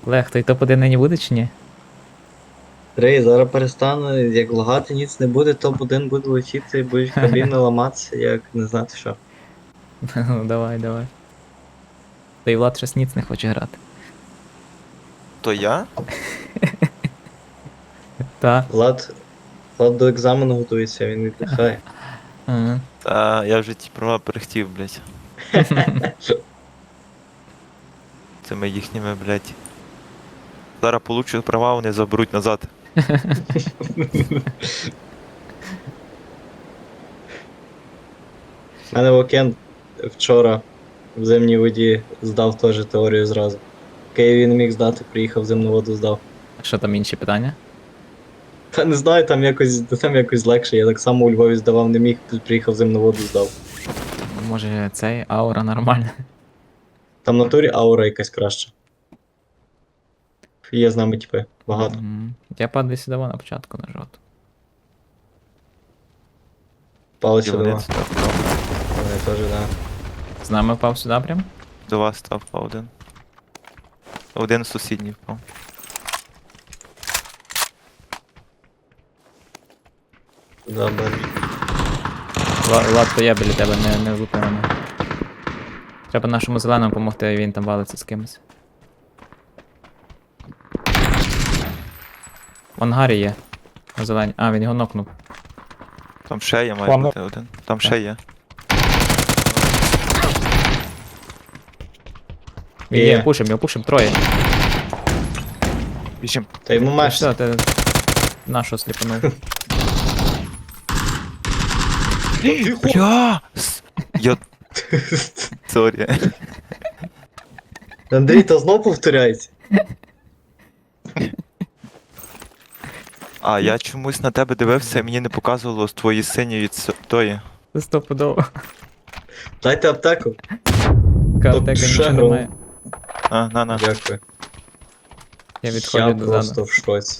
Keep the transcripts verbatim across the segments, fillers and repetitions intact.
Олег, той топ-один нині буде чи ні? Рей, зараз перестану, як лагати ніц не буде, топ один буде летіти, будуть кабіни ламатися, як не знати що. Ну, давай, давай. Та й Влад щось ніц не хоче грати. То я? Та. Влад, Влад до екзамену готується, він віддихає. Ага. Та я вже ті права перехтів, блядь. Цими їхніми, блядь. Зараз получу права, вони заберуть назад. У мене Вокен вчора в зимній воді здав теж теорію зразу. В Києві не міг здати, приїхав в зимну воду здав. Що там інші питання? Та не знаю, там якось, там якось легше. Я так само у Львові здавав, не міг, приїхав в зимну воду здав. Може цей аура нормальна? Там в натурі аура якась краща. Є з нами типи, багато. Мгм. Я падаю сюди на початку на жовту. Палець І вони два. став впав. Вони теж, да. З нами впав сюди прям? До вас став впав один. Один сусідній впав. Да, бачу. Ла- Влад, то я біля тебе не, не влупив мене. Треба нашому зеленому допомогти, він там валиться з кимось. В ангарі є. На зелені. А, він його нокнув. Там ще є, має Ладно. бути один. Там ще є. Він Є. є, пушим, його пушим, троє. Біжим. Та йому Та меш. Все, ти нашого сліпанув. Бля! С- Я... Сорі. Андрій, то знов повторяється. А, я чомусь на тебе дивився і мені не показувало з твоєї синьої ц- тої. Це стопудово. Дайте аптеку. Кавтека ще нічого грав. немає. А, на, на. Дякую. Я відходжу Я дозаду. просто в шоці.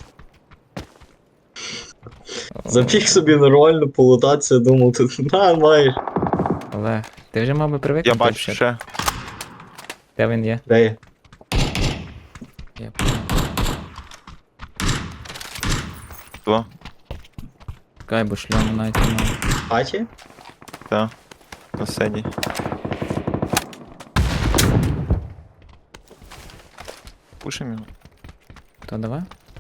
Забіг собі нормально полутатися, думав, тут на, маєш. Олег, ти вже мав би Я привикнути. бачу взагалі. ще. Де він є? Де є? Я понял. Два. Чекай, бо шльому навіть немає. В хаті? Та. На синій. Пушим його. То давай.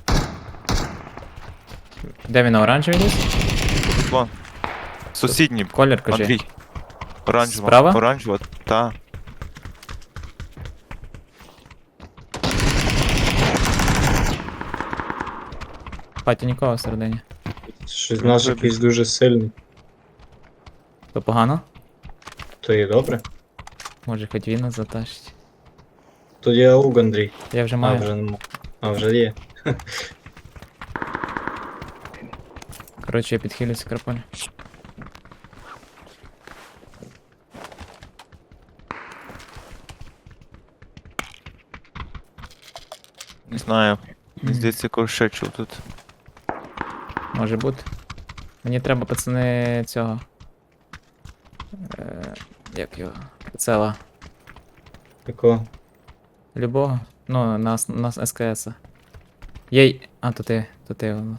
Де він на оранжевій ліс? Вон. Сусідній. Колір кажи. Андрій. Оранжева. Справа? Оранжева, та. В хаті нікого всередині. Щось наш якийсь дуже сильний. То погано? То є добре. Може хоч він нас затащить. Тоді ауг, Андрій. Я вже А, маю. вже нема. А, вже є. Коротше, я підхилюся крапаль. Не знаю. Мені Мгм. здається, якогось ще чув тут. Може бути. Мені треба, пацани, цього. Е, як його? Прицела. Такого. Любого. Ну, на, ос- на ес ка ес. Є. й- А, то ти, то ти воно.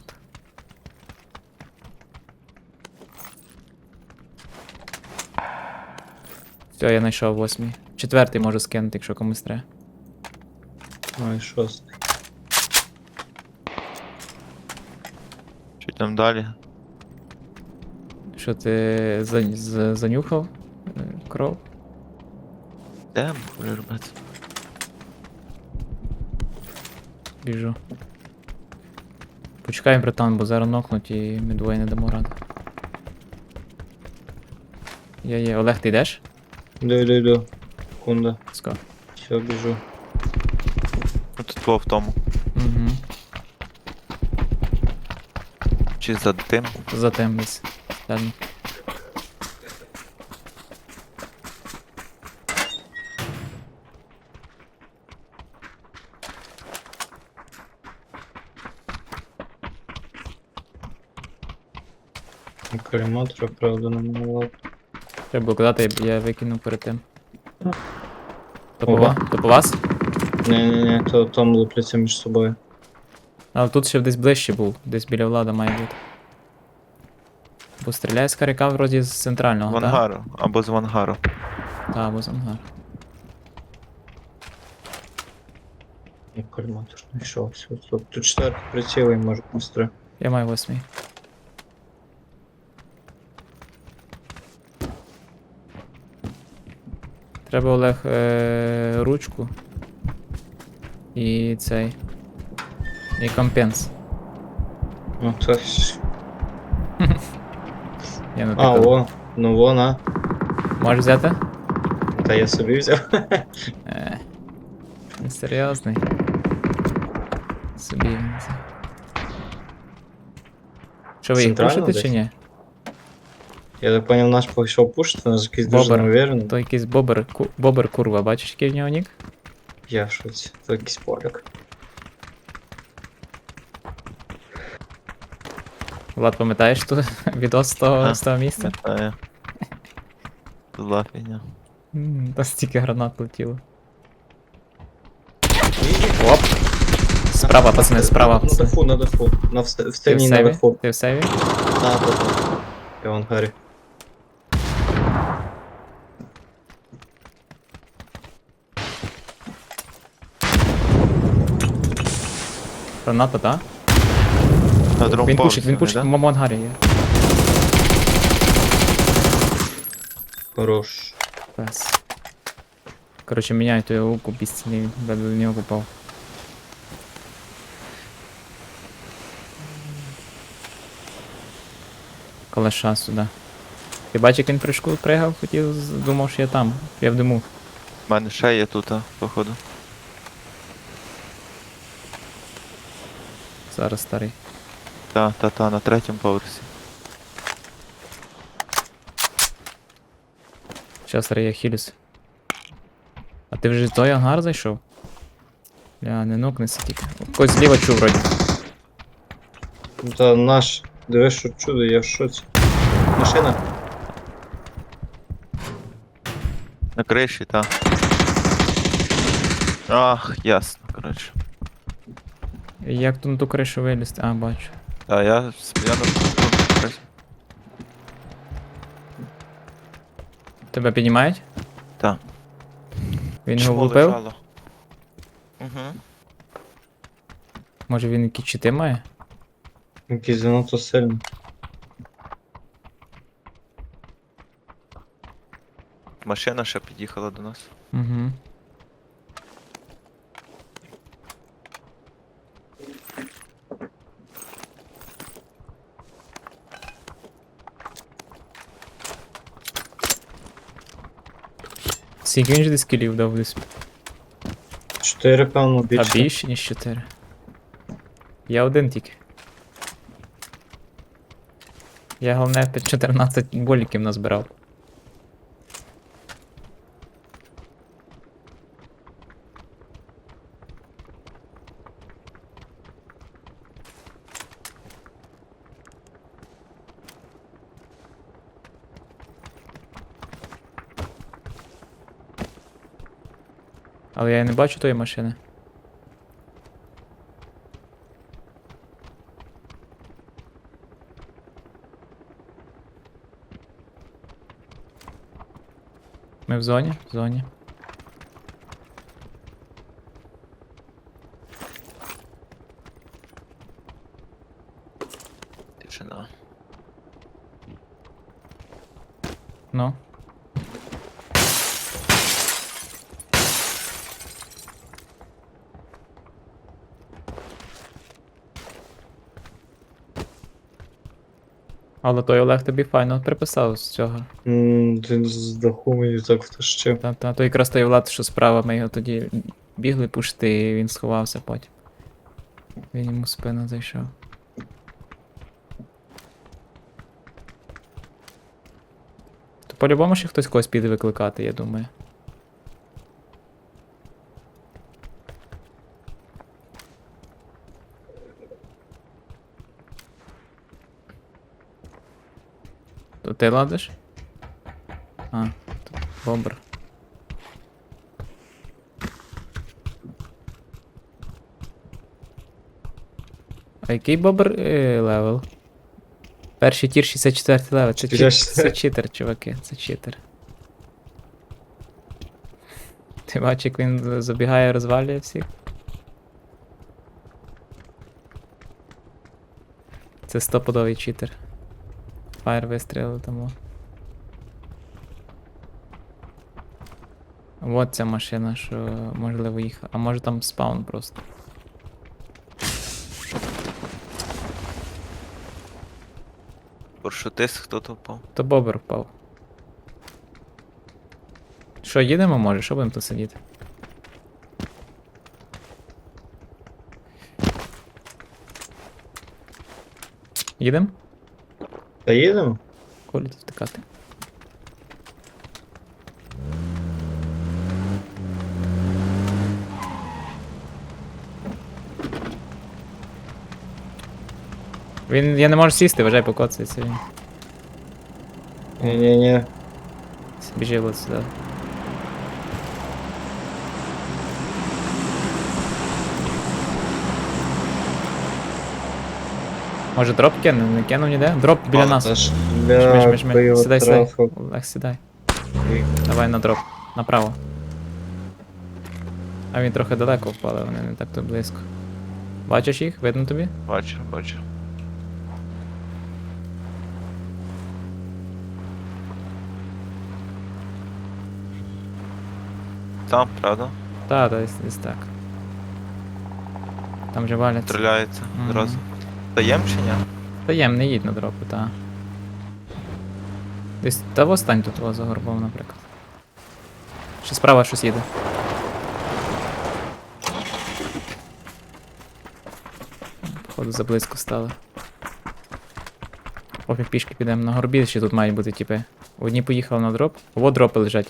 Все, я знайшов восьмий. Четвертий можу скинути, якщо комусь треба. Ой, шостий. Що там далі? Що ти за, за, занюхав? Е, Кров? Де буде робити? Біжу. Почекай, братан, бо зараз нокнуть і ми двоє не дамо ради. Є, є. Олег, ти йдеш? Йду, йду, йду. Секунда. Ско. Все, біжу. Ну тут було в тому. Угу. Чи за тим? За тим десь. Далі. Коліматора, правда, не мала. Треба було казати, я викинув перед тим. То по, Ого. ва- то по вас? Ні-ні-ні, то там лупляться між собою. Але тут ще десь ближче був, десь біля влада має бути. Бо стріляє з каряка вроді з В центрального, так? ангару, або з ангару. Так, або з ангар. Я кальматор знайшов. Все, тут, тут четвертий приціл і може быстро. Я маю восьмий. Треба Олег е- ручку. І цей. І компенс. Ну то ж- Я А, натикав. о, ну вона. Можеш взяти? Та я собі взяв. Е, він серйозний. Собі він взяв. Що ви їх Центрально пушите десь? чи ні? Я так поняв, наш пішов пушити, наш якийсь дуже Бобер. неуверенний. То якийсь бобер, ку, бобер курва, бачиш, який в нього нік? Я в шоці. То якийсь поляк. Влад, пам'ятаєш ту відос з того, Ага. з того місця? Та зла фігня. М, Та стільки гранат летіло. Оп! Справа, пацани, справа. На Пацани. даху, на даху. На вст- в Ти в стіні на сейві? даху. Ти в сейві? Так, так, так. Я в ангарі. Граната, так? На другому Він пушить, поверсі він вони, пушить, да? в моєму ангарі є. Хорош. Пес. Коротше, міняю ту його луку, безцінний, де до нього попав. Калаша сюди. Ти бачиш, як він прыжку пригав, хотів, з- думав, що я там. Я в диму. У мене ще є тут, а, походу. Зараз старий. Та, та, та, на третьому поверсі. Щас старий, я хілюсь. А ти вже в той ангар зайшов? Бля, не нокнеться тільки. Когось зліва чув вроді. Ну, Та наш. Дивись, що чудо, я в шоці. Машина. На криші, та. Ах, ясно, коротше. Як тут на ту кришу вилізти? А, бачу. Та, я, я на криші. Тебе піднімають? Та. Він його Чмо влупив? лежало. Угу. Може він якісь чити має? Якийсь занадто сильний. Машина ще під'їхала до нас. Угу. Скільки він же десь кілів дав десь? Чотири, певно, А більше. більше, ніж чотири. Я один тільки. Я головне під чотирнадцять боліків назбирав. Але я не бачу тої машини. Ми в зоні? В зоні. Тишина. Ну. Але той Олег тобі файно приписав з цього. М, Він з даху мені так втащив. Та, та, то якраз той Влад, що справа ми його тоді бігли пушти, і він сховався потім. Він йому в спину зайшов. То по-любому ще хтось когось піде викликати, я думаю. То ти ладиш? А, то бомбер. А який бобр е, левел? Перший тір шістдесят четвертий левел. Це, чит... шістдесят це читер, чуваки, це читер. Ти бачиш, як він забігає, розвалює всіх? Це стопудовий читер. Фаєр вистрілив тому. Вот ця машина, що можливо їх. А може там спаун просто. Паршутист, хто то впав. То бобер впав. Що, їдемо може? Що будемо тут сидіти? Їдемо? Та їдемо? Колі тут втикати. Він. Я не можу сісти, вважай, покоцається він. Ні-ні-ні. Біжи от сюди. Може дроп кине? Не кинув ніде? Дроп біля нас. Та ж Жми, жми, для жми. бойового Сідай, сідай. трафу. Олег, сідай. Давай на дроп. Направо. А він трохи далеко впали, вони не так тут близько. Бачиш їх? Видно тобі? Бачу, бачу. Там, правда? Та, десь, десь так. Там вже валяться. Стріляється Мгм. одразу. Даєм чи ні? Таєм, не їдь на дропи, та. Десь та востань тут о, за горбом, наприклад. Ще справа щось їде. Походу заблизько стали. Поки пішки підемо на горбі, ще тут мають бути типи. Одні поїхали на дроп. О, дропи лежать.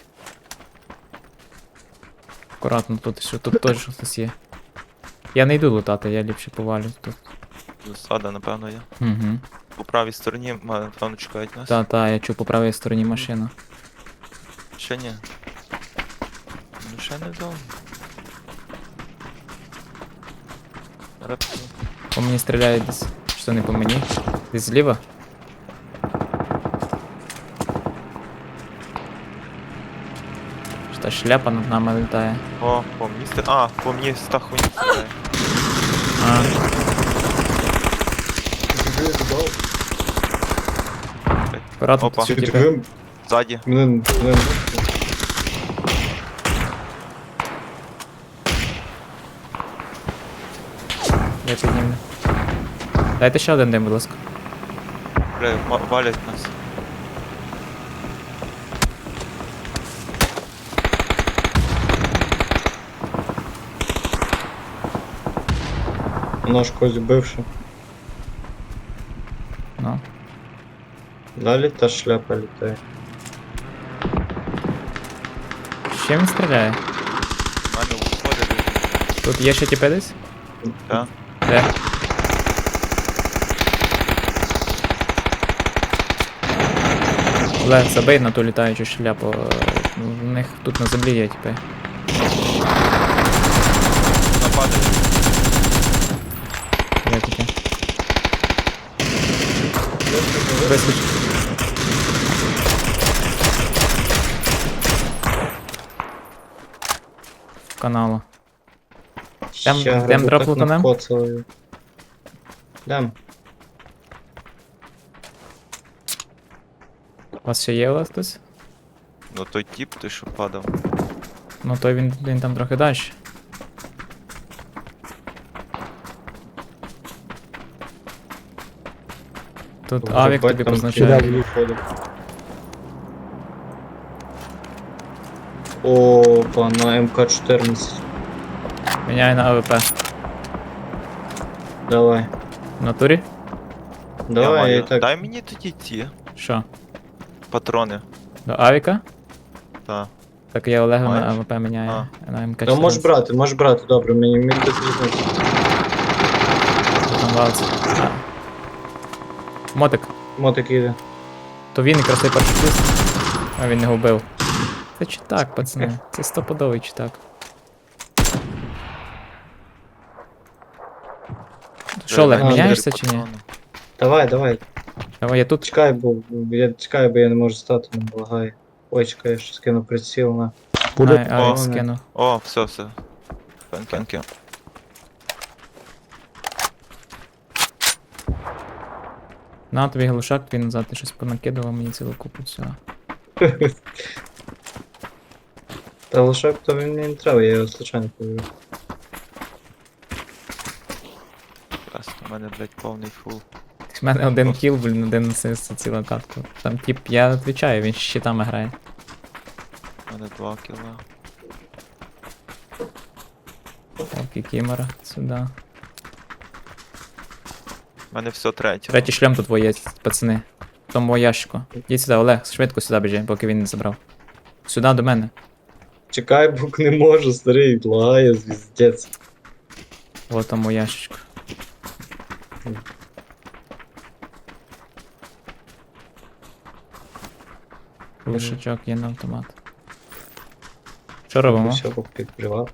Акуратно тут, що тут теж щось є. Я не йду лутати, я ліпше повалю тут. Засада, напевно, є. Угу. По правій стороні, ма- напевно, чекають нас. Та, та, я чув по правій стороні машину. Ще ні. Ну ще не вдома. Репку. По мені стріляють десь. Що не по мені? Десь зліва? Що та шляпа над нами літає. О, по мені стріляє. А, по мені з та хуйня стріляє. А, акуратно Опа. тут Ти типи. таким? Ззаді. Мене, мене. Я підніму. Дайте ще один дим, будь ласка. Бля, ма- валять нас. Воно ж когось бивше. Ну. Далі та шляпа літає. З чим він стріляє? У мене виходить. Тут є ще тіпи десь? Так. Де? Олег, забий на ту літаючу шляпу. У них тут на землі є тіпи. Нападає. Є таке. Вискоч. В каналу. Дем- Ще дем грибу дроп так лутанем? накоцали. Дем. У вас ще є у вас хтось? Ну той тіп, той що падав. Ну той він, він там трохи далі. Тут Вже авік бать тобі там позначає. сюди виходить. Опа, на ем ка чотирнадцять. Міняй на АВП. Давай. В натурі? Я Давай, я маю. і так. Дай мені тоді ті Що? патрони. До авіка? Та. Так я Олегу на Маєш? АВП міняю. На ем ка Та можеш брати, можеш брати, добре, мені мені тут візьмуть. Там валиться. А. Мотик. Мотик їде. То він якраз той перший плюс. А він не вбив. Це читак, пацани. Це стопудовий читак. Що, Олег, Андрій, міняєшся чи ні? Давай, давай. Давай, я тут. Чекай, бо я чекаю, бо я не можу стати, не лагає. Ой, чекай, я ще скину приціл на. Ай, ай, О, скину. О, все, все. Пенкенки. На тобі глушак, твій назад, ти щось понакидував мені цілу купу всього. Та лошак то він мені не треба, я його случайно повів. Ясно, у мене, блядь, повний фул. В мене один кіл, блін, один асист за цілу катку. Там тип, я відвічаю, він з щитами грає. У мене два кіла. Окей, кімера, сюди. У мене все третє. Третій шлем тут є, пацани. В тому ящику. Йдіть сюди, Олег, швидко сюди біжи, поки він не забрав. Сюди до мене. Чекай, бо не можу, старий, лагає, звіздець. Вот тому ящичку. Лишачок є на автомат. Що робимо? Все, підкривав.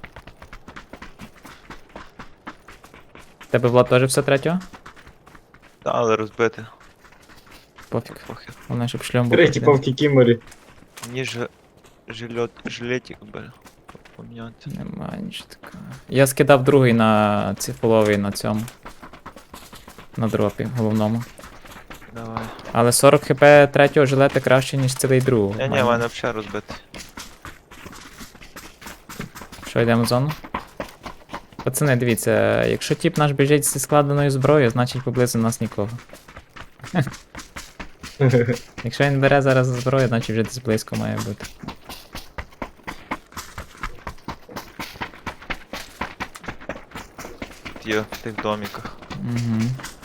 Тебе Влад теж все третього? Та, але розбити. Пофіг. Похер. Головне, щоб шлем був. Третій один. по кікіморі. Мені ж жилет, жилетик би поміняти. Нема нічого такого. Я скидав другий на цифоловий на цьому. На дропі головному. Давай. Але сорок хп третього жилета краще, ніж цілий другого. Ні, ні, в мене взагалі розбитий. Що, йдемо в зону? Пацани, дивіться, якщо тіп наш біжить зі складеною зброєю, значить поблизу нас нікого. Якщо він бере зараз зброю, значить вже десь близько має бути. Тут є в тих доміках. Угу.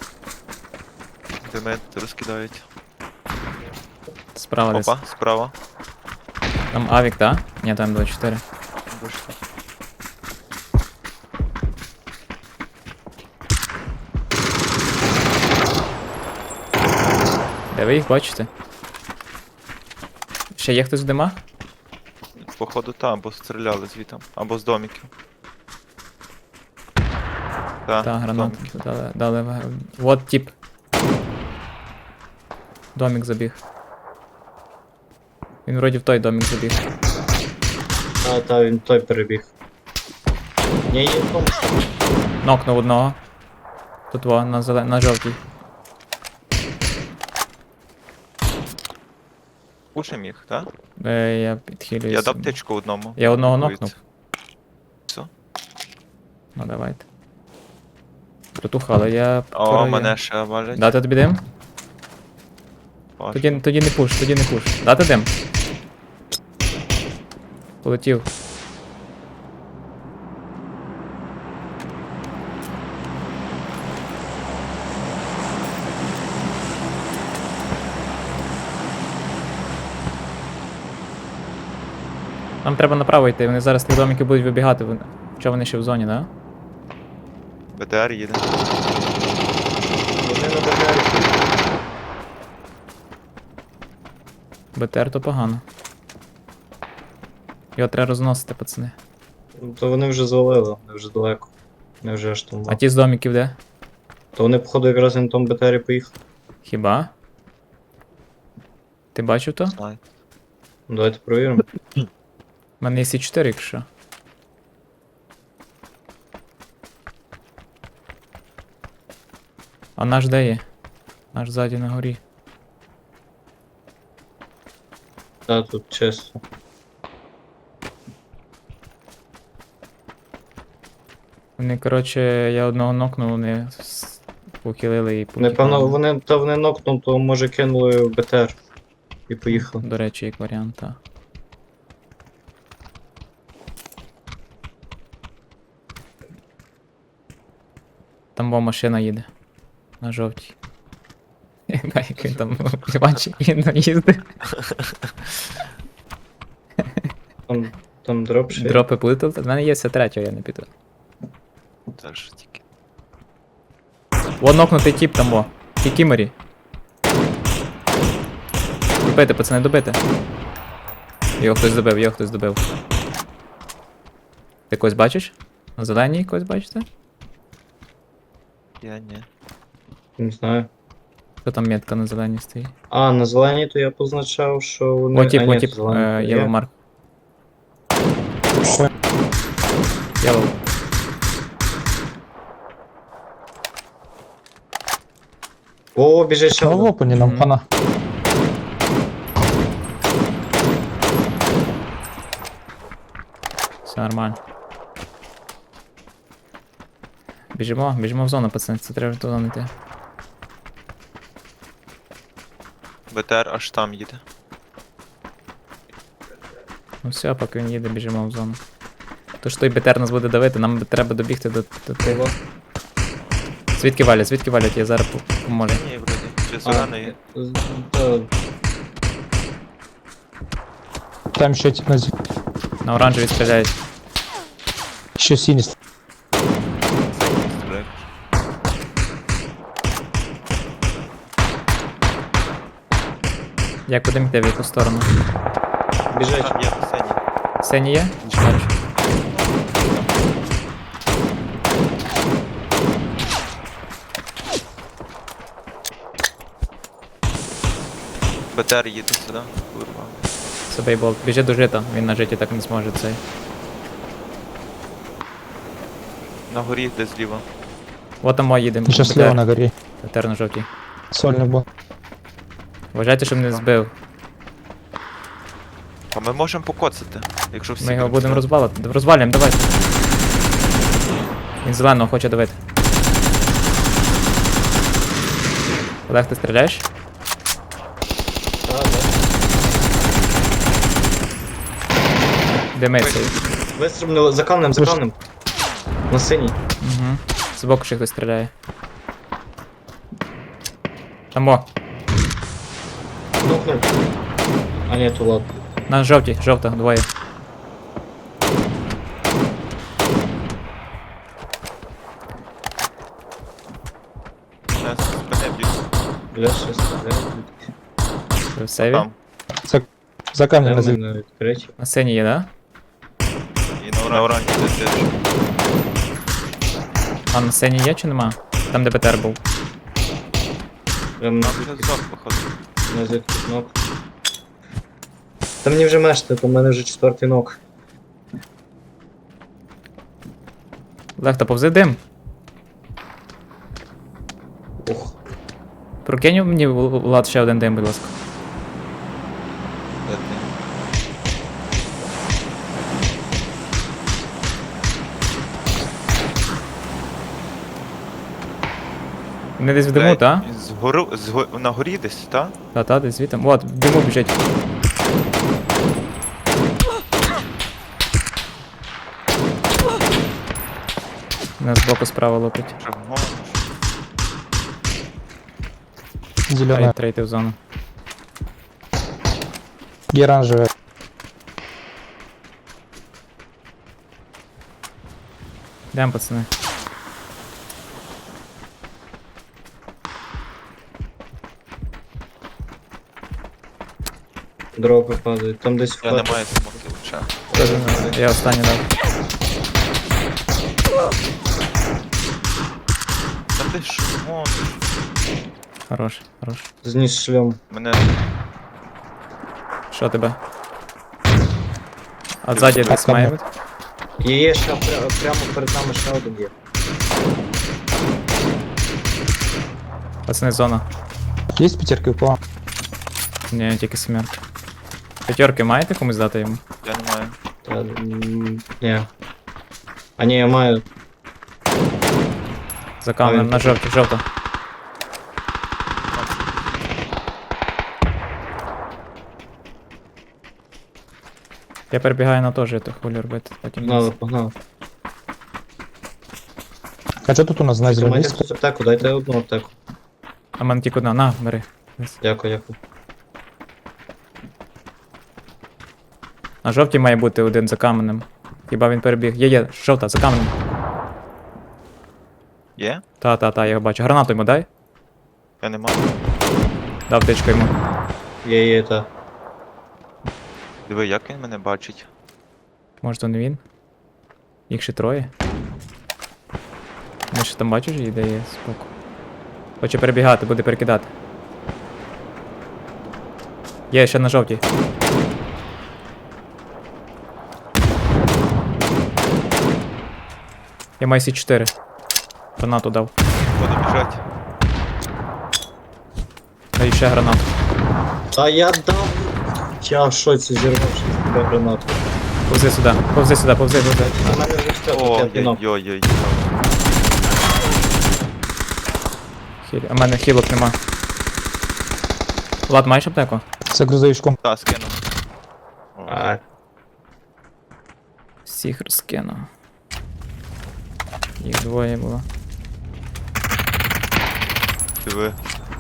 Де мене розкидають. Справа десь. Опа, справа. Там авік, так? Ні, там двадцять чотири. Вийшло. Де ви їх бачите? Ще є хтось в димах? Походу там, або стріляли звітом, або з доміків. Так, Так, гранату домики. дали, дали. в- Вот тип. Домик забіг. Він вроді в той домик забіг. А, та, він той перебіг. Ні, є в тому. Нокнув одного. Тут во, на, зелен... на жовтій. Пушим їх, так? Е, я підхилююся. Я дав птичку одному. Я одного Дивіться. нокнув. Все. Ну давайте. Протуха, але я... О, перевірю. мене ще валять. Дати тобі дим? Важко. Тоді, тоді не пуш, тоді не пуш. Дати дим? Полетів. Нам треба направо йти, вони зараз з тих домиків будуть вибігати. Вони- Що вони ще в зоні, да? БТР їде. Вони на БТРі. БТР то погано. Його треба розносити, пацани. Ну, то вони вже звалили, вони вже далеко. Не вже аж там. А ті з домиків де? То вони, походу, якраз на тому БТРі поїхали. Хіба? Ти бачив то? Знаю. Ну, давайте провіримо. У мене є сі чотири, якщо. А наш де є? Наш ззаді на горі. Та, тут чисто. Вони, коротше, я одного нокнув, вони с- похилили і Напевно, потікали. вони, та вони нокнув, то може кинули в БТР. І поїхали. До речі, як варіант, так. Там бо машина їде. На жовтій. Як він там бачить, він їздить. Там, там дроп ще. є. Дропи плитали. В мене є все третього, я не піду. Це ж тільки. Во нокнутий тип там во. Кікіморі. Добити, пацани, добити. Його хтось добив, його хтось добив. Ти когось бачиш? На зеленій когось бачите? Я ні. Не знаю. Що там метка на зеленій стоїть? А, на зеленій то я позначав, що вони. О, тип, а, о, ні, тип, зеленій е, то є. Yellow Mark. Yellow. О, біжить ще Ну, в один. опені нам Мгм. хана. Все нормально. Біжимо, біжимо в зону, пацани, це треба в зону йти. БТР аж там їде. Ну все, поки він їде, біжимо в зону. То що той БТР нас буде давити, нам треба добігти до, до тих. Звідки валять, звідки валять, я зараз по- поможу. Ні, вроді. Чи А, зелений? з- та, Там ще тип на зі... На оранжеві стріляють. Ще синій. Синій стріляє. Як будемо йти, в яку сторону? Біжить. Там є синій. Синій є? Бачу. БТР їде сюди. Курва. Це бейбол. Біжи до жита, він на житі так не зможе цей. На горі десь зліва. От там мой їдемо. Ще слева на горі. БТР на жовтій. Сольний був. Вважайте, щоб не збив. А ми можемо покоцати, якщо всі. Ми його будемо будемо сюди. розвалити. Розвалюємо, давай. Він зеленого хоче давити. Олег, ти стріляєш? Та, да. Димиться. Вистрибнули за камнем, за Ви ж- камнем. На синій. Угу. Збоку ще хтось стріляє. Там о, Нокнув. А ні, то ладно. на жовтій, жовта, двоє. Нас спине б'ють. Бля, ще стріляє. Ви в сейві? Там. За, за камнем на зі... на відкриті. На синій є, да? І на оранжі теж. А на синій є чи нема? Там де БТР був. Прям на Нам вже здох, походу. на звідки нок. Та мені вже мешти, то в мене вже четвертий нок. Олег, та повзи дим. Ух. Прокинь мені, Влад, ще один дим, будь ласка. Де ти? Вони десь в диму, Блядь, та? Згору, зго... на горі десь, та? Та, та, десь звідти. От, в диму біжить. Нас збоку справа лупить. Що гониш? Зелена. Ай, трейти в зону. І оранжеве. Йдемо, пацани. Дропи падають. Там десь Я не вход. маю смоків ще. Я останній дав. Та ти що гониш? Хорош, хорош. Зніс шльом. Мене Що тебе? А ззаді десь там має є. бути? І є ще пря- прямо перед нами ще один є. Пацани, зона. Є п'ятерки по. Ні, тільки сімерки. П'ятерки маєте комусь дати йому? я не маю. Та, м, ні. А ні, я маю. За камнем, він на тут. жовті, жовта. Я перебігаю на теж, то хвилю робити. Потім Погнали, погнали. А що тут у нас на зеленій? Майте хтось аптеку, дайте одну аптеку. А в мене тільки одна, на, бери. Десь. Дякую, дякую. На жовтій має бути один за каменем. Хіба він перебіг? Є, є, жовта, за каменем. Є? Та, та, та, я його бачу. Гранату йому дай. Я не маю. Дав тичку йому. Є, є, та. Диви, як він мене бачить. Може, то не він? Їх ще троє. Ми ще там бачиш, їде є споку. Хоче перебігати, буде перекидати. Є ще на жовтій. Я маю сі чотири. Гранату дав. Буду біжать. Даю ще гранату. Та я дав. Я в шоці зірвавши з тебе гранату. Повзи сюди, повзи сюди, повзи, повзи. У мене вже все, тут я пінок. Ой-ой-ой. Хіль. А в мене хілок нема. Влад, маєш аптеку? Це грузовичком. Та, скину. О, А, Всіх розкину. Їх двоє було. диви.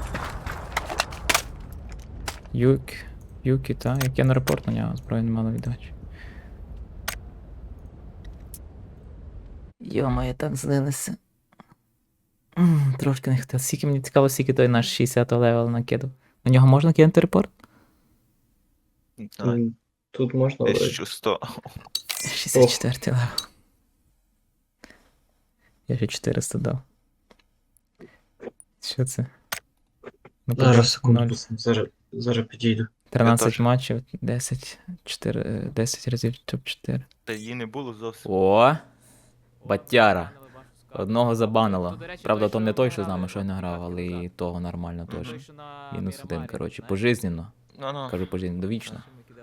Юк. Юкі, та, як я на репорт на нього, зброю не мало віддач. Йо-моє, так злилися. М, Трошки не хотів. Скільки мені цікаво, скільки той наш шістдесятого левел накидав. На нього можна кинути репорт? Не знаю. м, тут можна вроді. тисяча сто. шістдесят четвертий левел. Я ще чотириста дав. Що це? Ну, Зараз ноль. секунду, зараз, зараз підійду. тринадцять теж. матчів, десять, чотири, десять разів топ чотири. Та її не було зовсім. О! Батяра. Одного забанило. Правда, то не той, що з нами щойно грав, але і того нормально теж. Мінус один, коротше, пожизненно. Ну-ну. Кажу пожизненно, довічно.